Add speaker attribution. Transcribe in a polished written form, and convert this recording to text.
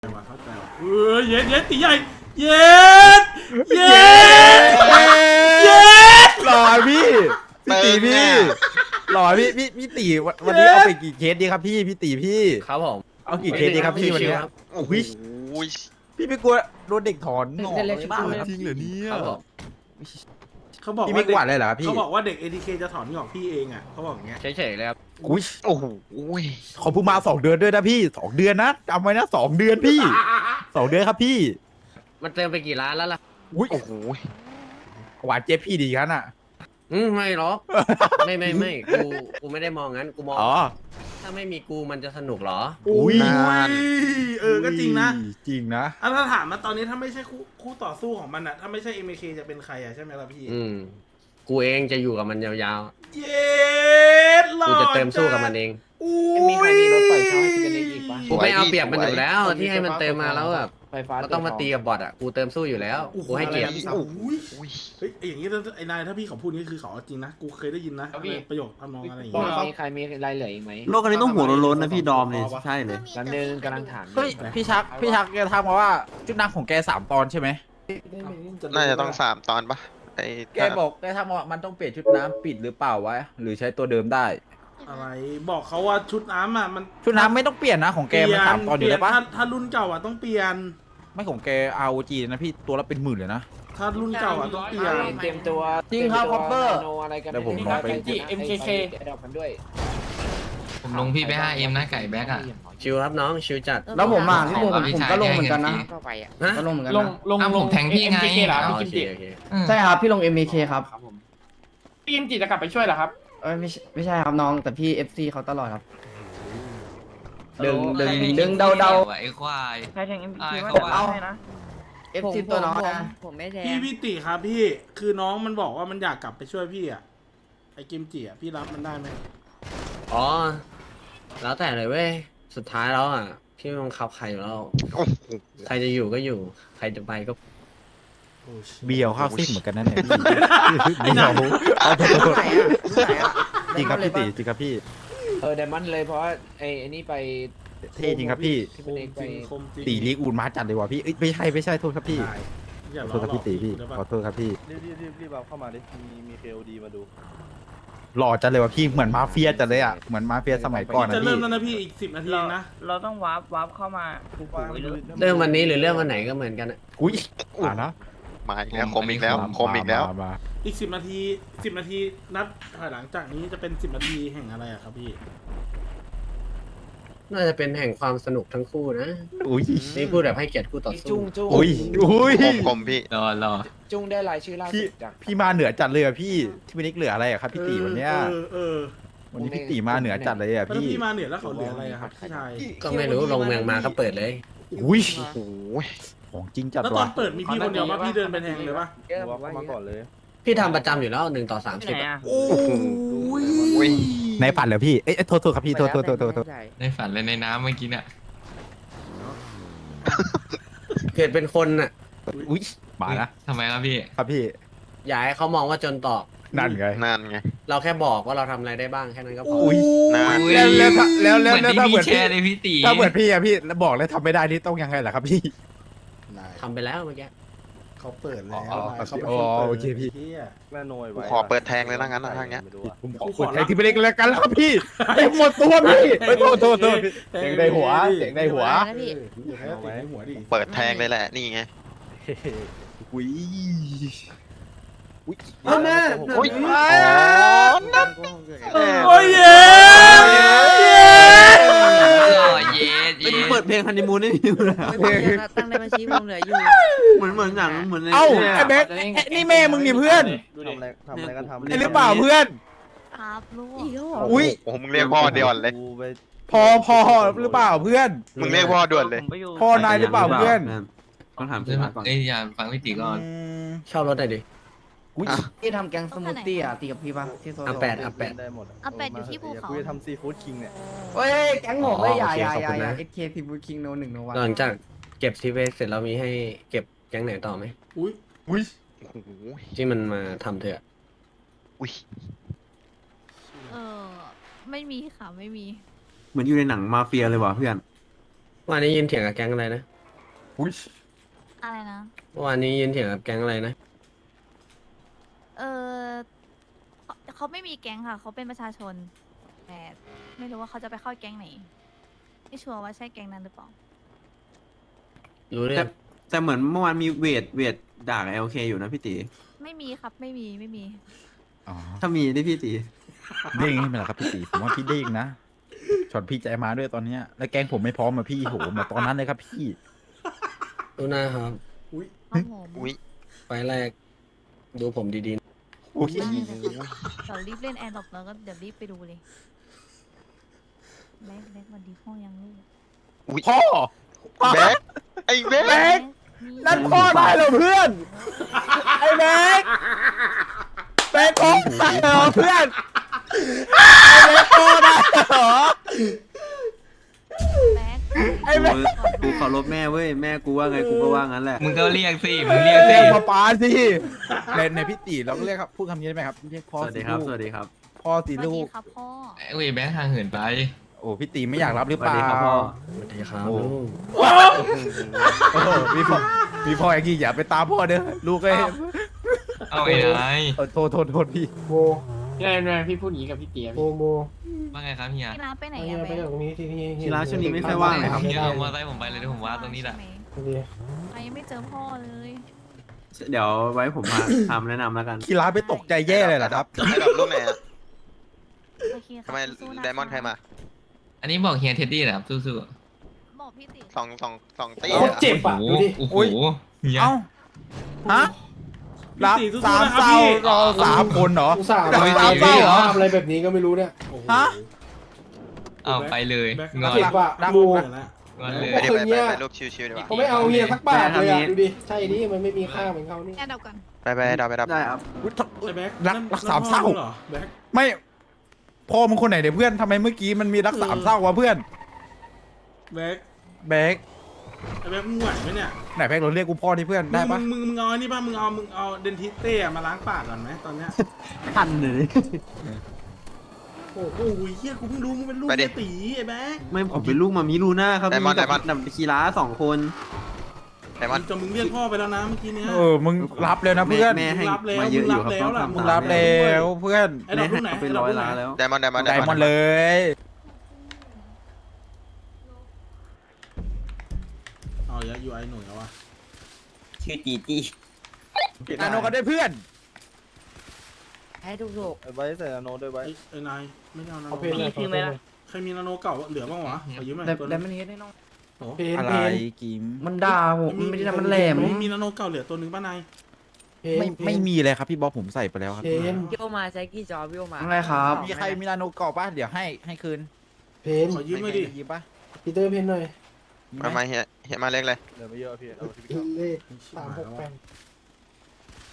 Speaker 1: เข้าใจว่ะเย็ดตีใหญ่เย็ด
Speaker 2: หล่อพี่ตีพี่หล่อพี่ตีวันนี้เอาไปกี่เคสดีครับพี่ตีพี่
Speaker 3: ครับผม
Speaker 2: เอากี่เคสดีครับพี่วันนี้
Speaker 4: โอ้โห
Speaker 2: พี่ไม่กลัวโดนเด็กถอนงอก
Speaker 5: เล่นๆ
Speaker 2: บ้าง
Speaker 5: ชิวๆ
Speaker 2: จริงเหรอเนี่ย
Speaker 3: ครับผม
Speaker 1: เขาบอก
Speaker 2: พี่
Speaker 1: ว่า
Speaker 2: ไม่กวาดเลยเหรอครับพี่
Speaker 1: เขาบอกว่าเด็ก ATK จะถอนงอกพี่เองอ่ะเขาบอกอย่างเงี้ย
Speaker 3: เฉยๆเลยครับ
Speaker 2: อุ้ย
Speaker 4: โอ้โห
Speaker 2: ขอพูมา2 เดือนด้วยนะพี่2 เดือนนะจำไว้นะ2 เดือนพี่2 เดือนครับพี่
Speaker 3: มันเติมไปกี่ล้านแล้วล่ะ
Speaker 2: อุ้ย
Speaker 4: โอ้โห
Speaker 2: หวานเจ๊พี่ดีกันอ่ะ
Speaker 3: ไม่หรอก ไม่กูไม่ได้มองงั้นกูมอง
Speaker 2: อ๋อ
Speaker 3: ถ้าไม่มีกูมันจะสนุกเหรอ
Speaker 2: อุ้ย
Speaker 1: ก็จริงนะ
Speaker 2: จริงนะ
Speaker 1: ถ้าถามมาตอนนี้ถ้าไม่ใช่คู่ต่อสู้ของมันอ่ะถ้าไม่ใช่ MK จะเป็นใครอ่ะใช่ไหมล่ะพี่
Speaker 3: กูเองจะอยู่กับมันยาว
Speaker 1: เย็ดห
Speaker 3: ๆ
Speaker 1: ล่อ
Speaker 3: กูจะเติมสู้กับมันเอง
Speaker 1: อุ้
Speaker 5: มีใครมีรถไฟเช่าให้กินกันอีกปะ
Speaker 3: กูไม่เอาเปรียบมันอยู่แล้ว ที่ให้มันเติมมาแล้วแบบ
Speaker 5: ไฟฟ้า
Speaker 3: เราต้องมาตีกับบอทอ่ะกูเติมสู้อยู่แล้วกูให้เกียรติ
Speaker 1: อุ้ย
Speaker 4: อุ้ย
Speaker 1: เฮ้ยอย่างงี้ไอ้นายถ้าพี่เขาพูดนี่คือเขาเอาจริงนะกูเคยได้ยินนะประโยคทำนองอะไรอย่าง
Speaker 5: บอ
Speaker 1: เงี้
Speaker 5: ก
Speaker 1: ย
Speaker 5: มีใครมีรายเหลืออีกไหม
Speaker 6: โลกอันนี้ต้องหัวโล้นๆนะพี่ดอมเนี่ยใช่เลย
Speaker 5: แล้วนึงกำลังถาม
Speaker 2: เฮ้ยพี่ชักแกทักมาว่าชุดนางของแก3 ตอนใช่ไหม
Speaker 4: น่าจะต้อง3 ตอนปะไอ้
Speaker 2: แกบอกแกทักมาว่ามันต้องเปลี่ยนชุดน้ำปิดหรือเปล่าวะหรือใช้ตัวเดิมได้
Speaker 1: อะไรบอกเขาว่าชุดน้ำอ่ะมัน
Speaker 2: ชุดน้ำไม่ต้องเปลี่ยนนะของแกมัน3 ตอนอยู่แล้วปะ
Speaker 1: ถ้ารุ่นเก่าอ่ะต้องเปลี่ยน
Speaker 2: ไม่ของแก ROG นะพี่ตัวละเป็นหมื่นเลยนะ
Speaker 1: ถ้ารุ่นเก่าอ่ะต้องเปลี่ยน
Speaker 5: เตรียมตัว
Speaker 2: จริงครับ Copper
Speaker 5: โนอะไรกัน
Speaker 2: เดี๋ยวผมลองไป
Speaker 5: MKK ดอกกันด้วย
Speaker 7: ผมลงพี่ไป 5M นะไก่แบ็กอ่ะ
Speaker 3: ชิวครับน้องชิวจัด
Speaker 6: แล้วผมอ่ะพี่
Speaker 7: ข
Speaker 6: ผ
Speaker 7: อง
Speaker 6: ม
Speaker 7: พี่ชาย
Speaker 6: ก็ลงเหมือนกันนะ
Speaker 5: ก็ไปอ่ะ
Speaker 3: ฮะ
Speaker 6: ก็ลงเหมือนกัน
Speaker 8: ล
Speaker 6: นะ
Speaker 8: ง
Speaker 7: อ้าวผมแทงพี่ไง
Speaker 8: MKK เหรอพี่
Speaker 3: โอ
Speaker 8: กิม
Speaker 3: เค
Speaker 8: จิ
Speaker 3: โอเค
Speaker 6: ใช่ครับพี่ลง MK ครับ
Speaker 8: พี่กิมจิจะกลับไปช่วยเหรอครับ
Speaker 6: เอ้ยไม่ใช่ครับน้องแต่พี่ FC เขาตลอดครับดึงเดา
Speaker 7: ไอ้ควาย
Speaker 9: ใครแทง MPK
Speaker 7: อ่า
Speaker 9: ว่า
Speaker 7: เขา
Speaker 9: จะ
Speaker 7: ว่า
Speaker 9: เอาให้นะ
Speaker 6: FC ตัวน้องนะ
Speaker 9: ผมไม่แทง
Speaker 1: พี่ติครับพี่คือน้องมันบอกว่ามันอยากกลับไปช่วยพี่อ่ะไอ้กิมจิอ่ะพี่รับมันได้ไหม
Speaker 3: อ๋อแล้วแต่เลยเว้ยสุดท้ายแล้วอ่ะพี่ไม่บังคับใครอยู่แล้ว
Speaker 4: โอ้โห
Speaker 3: ใครจะอยู่ก็อยู่ ใครจะไปก็
Speaker 2: เบียวข้าวซิ่งเหมือนกันนั่นแหละ
Speaker 1: ไอ้หนัง
Speaker 2: เอาตัว
Speaker 6: รุ่นไหนอ่ะรุ่นไหนอ่ะ
Speaker 2: จริงครับพี่ตีจริงครับพี่
Speaker 5: ไดมอนด์เลยเพราะไอ้นี่ไป
Speaker 2: เท่จริงครับพี่
Speaker 5: ที่เป็นเอกไป
Speaker 1: คมจริง
Speaker 2: ตีลีกอูนมาจัดเลยว่ะพี่เอ้ยไม่ใช่โทษครับพี่
Speaker 1: อย่า
Speaker 2: ขอโทษครับพี่ตีพี่ขอโทษครับพี่
Speaker 10: รีบเอาเข้ามาดิ มีเคโอดีมาดู
Speaker 2: หล่อจัดเลยว่ะพี่เหมือนมาเฟียจัดเลยอ่ะเหมือนมาเฟียสมัยก่อนนะ
Speaker 1: จะเริ่
Speaker 2: พี่
Speaker 1: มแล้วนะพี่อีก10 นาทีเองนะ
Speaker 9: เราต้องวาร์ปเข้ามาผูกไว้ด้วย
Speaker 3: เรื่องวันนี้หรือเรื่องวันไหนก็เหมือนกันอะ
Speaker 2: อุ้ยนะ
Speaker 4: มาอีกแล้วคมอีกแล้วคมอีกแล้ว
Speaker 2: มา
Speaker 1: อีก10 นาที10 นาทีนับถอยหลังจากนี้จะเป็น10 นาทีแห่งอะไรอะครับพี่
Speaker 3: น่าจะเป็นแห่งความสนุกทั้งคู่นะ
Speaker 2: อุ้ย
Speaker 3: นี่พูดแบบให้เกียรติคู่ต่อ
Speaker 5: จุ
Speaker 3: สู้
Speaker 5: ง
Speaker 2: อุ้ย
Speaker 4: คมพี่
Speaker 7: รอ
Speaker 5: จุงได้รายชื่อล่า
Speaker 2: พี่
Speaker 5: สุดจาก
Speaker 2: พี่มาเหนือจัดเลยอ่ะพี่ที่พี่นิกเหลืออะไรอ่ะครับพี่ตีวันเนี้ย
Speaker 1: เออ
Speaker 2: วันนี้พี่ตีมาเหนือจัดเลยอ่ะ
Speaker 1: แล้ว
Speaker 2: พี่
Speaker 1: พี่มาเหนือแล้วเขาเหลืออะไรอะครับพี่ชาย
Speaker 3: ก็ไม่รู้ลงเมืองมาก็เปิดเลย
Speaker 2: อุ้ย
Speaker 4: โอ้โห
Speaker 2: ของจริงจัด
Speaker 1: แล้วตอ
Speaker 2: ว่ะ
Speaker 1: นเปิดมีพี่คนเดียวป่ะพี่เดินไปแทงเลยป่ะ
Speaker 10: ว่าเข้ามาก่อนเลย
Speaker 3: พี่ทำประจำอยู่แล้ว1 ต่อ
Speaker 9: ที่ไหน
Speaker 3: 30อะ
Speaker 9: อ่ะ
Speaker 1: โอ้ย
Speaker 2: ในฝันเหรอพี่เอ้ยโทษครับพี่โทษ
Speaker 7: ในฝันเลยในน้ำเมื่อกี้เนี่ย
Speaker 3: เกิดเป็นคนน่ะ
Speaker 2: อุ้ยมานะ
Speaker 7: ทำไมครับพี่
Speaker 2: ครับพี่
Speaker 3: อย่าให้เขามองว่าจนตอก
Speaker 2: นั่นไง
Speaker 4: นั่นไง
Speaker 3: เราแค่บอกว่าเราทำอะไรได้บ้างแค่นั้นก็พอ
Speaker 2: อุ้ย
Speaker 4: นั่น
Speaker 2: แล้ว
Speaker 7: เหมือนที่
Speaker 2: ถ้าเห
Speaker 7: พี่
Speaker 2: มือน
Speaker 7: แชร์เลยพี่ตี
Speaker 2: ถ้าเหมือนพี่อะพี่แล้วบอกแล้วทำไม่ได้นี่ต้องยังไงล่ะครับพี่
Speaker 3: ทำไปแล้วเมื่อกี้
Speaker 1: เขาเปิดแล้ว
Speaker 2: อ๋อ
Speaker 1: เขาเป็น
Speaker 2: อ๋
Speaker 1: คน
Speaker 2: อ
Speaker 1: เปิด
Speaker 2: โอเคพี่
Speaker 1: หี้ย
Speaker 10: แม่โนย
Speaker 4: กู
Speaker 10: ไว้
Speaker 4: ขอเปิดแทงเลยนะงั้นนะถ้างั้น
Speaker 10: ไม่รู้อะ
Speaker 2: ผมขอคนใครที่ไม่เล็กแล้วกันแล้วครับพี่ไอ้หมดตัวพี่เฮ้ยโทษเสียงในหัว
Speaker 9: นะพี่
Speaker 1: เอาไว้หัวดิ
Speaker 4: เปิดแทงเลยแหละนี่ไง
Speaker 2: อุ้ย
Speaker 6: แม่
Speaker 4: อุ้ย
Speaker 1: โอ้ยเย้
Speaker 7: รอเย็ด
Speaker 6: ไม่ได้เปิดเพลงฮันนีมูนให้ดูเลย
Speaker 9: ตั้งในบัญชีผมเหลืออยู่
Speaker 6: เหมือนหนังเหมือนใน
Speaker 2: เอ้าไอ้แบ็คนี่แม่มึงนี่เพื่อน
Speaker 10: ทำอะไรกันทำ
Speaker 2: ไอ้หรือเปล่าเพื่อน
Speaker 9: ครับลูกอีกแล้วเหรอ
Speaker 2: อุ้ย
Speaker 4: โอ้โหมึงเรียกพ่อเดียวเลย
Speaker 10: กูไป
Speaker 2: พอหรือเปล่าเพื่อน
Speaker 4: มึงเรียกพ่อด่วนเลย
Speaker 9: ผมไปอยู่
Speaker 2: พ่อนายหรือเปล่าเพื่อน
Speaker 6: ต้องถาม
Speaker 7: เอ้ย
Speaker 6: ก่อน
Speaker 7: อย่าฟังพี่ตีก่อน
Speaker 3: เช่ารถหน่อยดิ
Speaker 2: อุ้ย
Speaker 6: พี่ทำแกงสมูทตี้อ่ะตีกับพี่ป่ะที่โซโล่
Speaker 3: อ่ะแปด
Speaker 10: ได้หมด
Speaker 9: อาเป็ดอยู่ที่ภูเขา
Speaker 10: กูจะทำซีฟู้ดคิงเนี่ย
Speaker 6: เฮ้ยแกงผมไม่ใหญ่
Speaker 3: โอเคขอบคุณนะ
Speaker 6: SK ซีฟู้ดคิงโน1โน1
Speaker 3: หลังจากเก็บทีเวสเสร็จแล้วมีให้เก็บแก๊งไหนต่อไหม
Speaker 1: อุ้ย
Speaker 4: โอ้โห
Speaker 3: ที่มันมาทำเถอะ
Speaker 4: อุ้ย
Speaker 9: เออไม่มีค่ะไม่มี
Speaker 6: เหมือนอยู่ในหนังมาเฟียเลยว่ะเพื่อน
Speaker 3: วันนี้ยินเถียงกับแก๊งอะไรนะ
Speaker 2: อุ้ย
Speaker 9: อะไรนะ
Speaker 3: เมื่อวานนี้ยืนเถียงกับแก๊งอะไรนะ
Speaker 9: เออเขาไม่มีแก๊งค่ะ เขาเป็นประชาชน แต่ไม่รู้ว่าเขาจะไปเข้าแก๊งไหน ไม่ชัวร์ว่าใช่แก๊งนั้นหรือเปล่า
Speaker 3: รู้เรื่อง
Speaker 6: แต่เหมือนเมื่อวานมีเวทด่ากับ LK อยู่นะพี่ตี
Speaker 9: ไม่มีครับ ไม่มี
Speaker 2: อ๋อ
Speaker 6: ถ้ามีได้พี่ตี
Speaker 2: เด้งให้มันเหรอครับพี่ตีผมว่าพี่เด้งนะช็อตพี่ใจมาด้วยตอนเนี้ยแล้วแกงผมไม่พร้อมมาพี่โหมาตอนนั้นเลยครับพี่
Speaker 3: รู้หน้าครับ
Speaker 9: ครับผม
Speaker 4: อุ้ย
Speaker 3: ไฟล์แรก ดูผมดี
Speaker 2: อุ้ย
Speaker 9: ได้เลยเดี๋ยวรีบเล่นแอร์ดรอปแล้วก็เดี๋ยวรีบไปดูเลยแบ็ควันดีพ่อยังลูก
Speaker 4: อุ้ย
Speaker 2: พ่อ
Speaker 4: แบ็คไอ้แบ็ค
Speaker 2: แบ็ค นั่นพ่อได้เหรอเพื่อนไอ้แบ็คแบ็คพ่อได้เหรอเพื่อนไอ้แบ็คพ่อได้เหรอ
Speaker 9: แบ็ค
Speaker 2: ไอ้แบ็ค
Speaker 6: กูเคารพแม่เว้ยแม่กูว่าไงกูก็ว่างั้นแหละ
Speaker 7: มึงก็เรียกสิมึงเรียกสิ
Speaker 2: เรียกมาปาสิในพี่ตีเราก็เรียกครับพูดคำนี้ได้ไหมครับเรียกพ่อ
Speaker 6: สวัสดีครับสวัสดีครับ
Speaker 2: พ่อสิ
Speaker 9: สวัส
Speaker 2: ลู
Speaker 9: ดี
Speaker 2: ก
Speaker 9: ครับพ่อ
Speaker 7: เอ้ยแบงค์ห่างเหินไป
Speaker 2: โอ้พี่ตีไม่อยากรับหรือ
Speaker 6: ส
Speaker 2: เป
Speaker 6: วัส
Speaker 2: ล่า
Speaker 6: ดีครับพ่อ
Speaker 3: ๆสวัสดีครับ
Speaker 2: โอ้
Speaker 3: ลูก
Speaker 2: โอ้โหมีพ่ออย่างนี้อย่าไปตามพ่อเด้อลูกเอ้ย
Speaker 7: เอาไอ้นาย
Speaker 2: โทษพี่
Speaker 8: โบเนี่ยพี่พูดอย่างนี้กับพี่เตี๋ยพี่
Speaker 7: ว่าไงครับเฮีย
Speaker 9: พี่ร้านไปไหนอะแบ็ค
Speaker 6: ทีร้านช่วงนี้ไม่ค่อยว่างเลยครับ
Speaker 7: เฮียเอามอเตอร์ไซค์ผมไปเลยเดี๋ยวผมว่าตรงนี้แหละ
Speaker 9: ใช่ไยังไม่เจอพ่อเลย
Speaker 6: เดี๋ยวไว้ผมทำแนะนำแล้วกัน
Speaker 2: คีราไปตกใจแย่เลยเหรอครับ
Speaker 4: ไอ้ดอกลูกไหนอะ
Speaker 9: โอเคครับ
Speaker 4: ทำไม
Speaker 9: สู้ๆะ
Speaker 4: ไดมอนด์ใครมา
Speaker 7: อันนี้บอกเฮียเท็ดดี้นะครับสู้
Speaker 9: บอกพี่ติ
Speaker 4: สองตี
Speaker 7: ๆ
Speaker 4: อะ
Speaker 7: โอ้โหโอ้โหเฮีย
Speaker 2: เอ้าฮะรับ
Speaker 1: พี่ตีสู้ๆ
Speaker 2: สาม
Speaker 1: นะครับ
Speaker 2: เศร้า
Speaker 1: พี่
Speaker 2: รอสามคนเหรอ
Speaker 8: อุตส่าห์
Speaker 2: สาม
Speaker 8: มา
Speaker 2: เศร้าเหรอ
Speaker 8: อะไรแบบนี้ก็ไม่รู้เนี่ย
Speaker 1: โอ้โห
Speaker 2: ฮะ
Speaker 7: เอาไปเลย
Speaker 1: แบ็ค
Speaker 7: งอน
Speaker 8: เจ็บอะ
Speaker 2: รับ
Speaker 8: กู
Speaker 1: เดี๋ยวนะ
Speaker 7: งอนเลย
Speaker 4: ไปดิไปรูปชิวๆดีกว่า
Speaker 8: เขาไม่เอาเฮียสักบาทเลยอะ
Speaker 6: แม่ทำนี้
Speaker 8: ดูดิใช่ดิมันไม่มีค่าเหมือนเขานี่
Speaker 9: แอร์ดรอปก่อน
Speaker 4: ไปดับ
Speaker 6: ได้ครับ
Speaker 2: อุ๊ย
Speaker 1: ไอ้แบ็ค
Speaker 2: รัก
Speaker 1: นั่น
Speaker 2: รักสามเศร้า
Speaker 1: นั่นพ่อมึงเหรอแบ็ค
Speaker 2: ไม่พ่อมึงคนไหนเนี่ยเพื่อนทำไมเมื่อกี้มันมีรักสามเศร้าวะเพื่อน
Speaker 1: แบ็ค
Speaker 2: แบก
Speaker 1: ไอ้แบ็คมึงไหวไหมเนี่ย
Speaker 2: ไหนแบกเราเรียกกูพ่อที่เพื่อนได้ปะ
Speaker 1: มึงเอาอันนี่ป่ะมึงเอาเดนทิสเต้มาล้างปากก่อนไหมตอนเนี้ย
Speaker 6: ทันเลย
Speaker 1: โอ้โหเฮียกูเพิ่งรู้มึงเป็นลูกเฮียตีไอ้แบ็ค
Speaker 6: ไม่ผมเป็นลูกมามีลูน่าครับมีกับคีร้า2 คน
Speaker 4: ไดมอนด์
Speaker 1: จนมึงเรียกพ่อไปแล้วนะเมื่อกี้เนี้ย
Speaker 2: มึงรับเลยนะเพื่อน
Speaker 6: แม่ให้
Speaker 1: มึงรับแล้ว
Speaker 6: มาเยอะอยู่ครับ
Speaker 1: มึงรับแล้วล่ะ
Speaker 6: ต้อง
Speaker 2: มึง
Speaker 6: ทำ
Speaker 2: รับแล้วเพื่อน
Speaker 1: ไอ้ดอกลูกไหน
Speaker 6: เป็น
Speaker 1: ไอ้ดอก
Speaker 6: 100
Speaker 1: ลูกไหน
Speaker 6: ล้านแล้ว
Speaker 4: ไดมอนด์
Speaker 2: ไดมอนด์เลย
Speaker 1: เอาอย่าอยู่ไอ้หนุ่ยแล้ววะ
Speaker 3: ชื่อจีจี้
Speaker 2: นาโนกันได้เพื่อน
Speaker 9: ให้ถูก
Speaker 10: ไว้ใส่นาโนด้วยไว้
Speaker 1: ไอ้นายไม่เอานาโน
Speaker 8: เอาเพลงเลย
Speaker 1: ใครมีนาโนเก่าเหลือบ้างวะขอยืมหน่อย
Speaker 6: แต่
Speaker 1: ตัว
Speaker 6: แต่
Speaker 1: นึง
Speaker 6: มันเฮ็ดได้น้อง
Speaker 1: โอ้
Speaker 8: เพน
Speaker 2: อะไร
Speaker 8: เพน
Speaker 2: กิม
Speaker 6: มันด่าผมมันไม่ได้มันแหลม
Speaker 1: มีนาโนเก่าเหลือตัวนึงป่ะนาย
Speaker 8: เพน
Speaker 2: ไม่มีเลยครับพี่บ๊อบผมใส่ไปแล้วครับ
Speaker 8: เพน
Speaker 9: ๆพี่โอมาใช้กี่จอพี่โอมา
Speaker 6: อะไรครับ
Speaker 2: มีใครมีนาโนเก่าป่ะเดี๋ยวให้คืน
Speaker 8: เพน
Speaker 1: ขอยืมหน่อยดิ
Speaker 2: หยิบป่ะ
Speaker 8: พีเตอร์เพนหน่อย
Speaker 4: มาเฮียมาเล็กเลย
Speaker 10: เดี๋ยวไม่เยอะพี่เอาที่พี่
Speaker 8: เลข368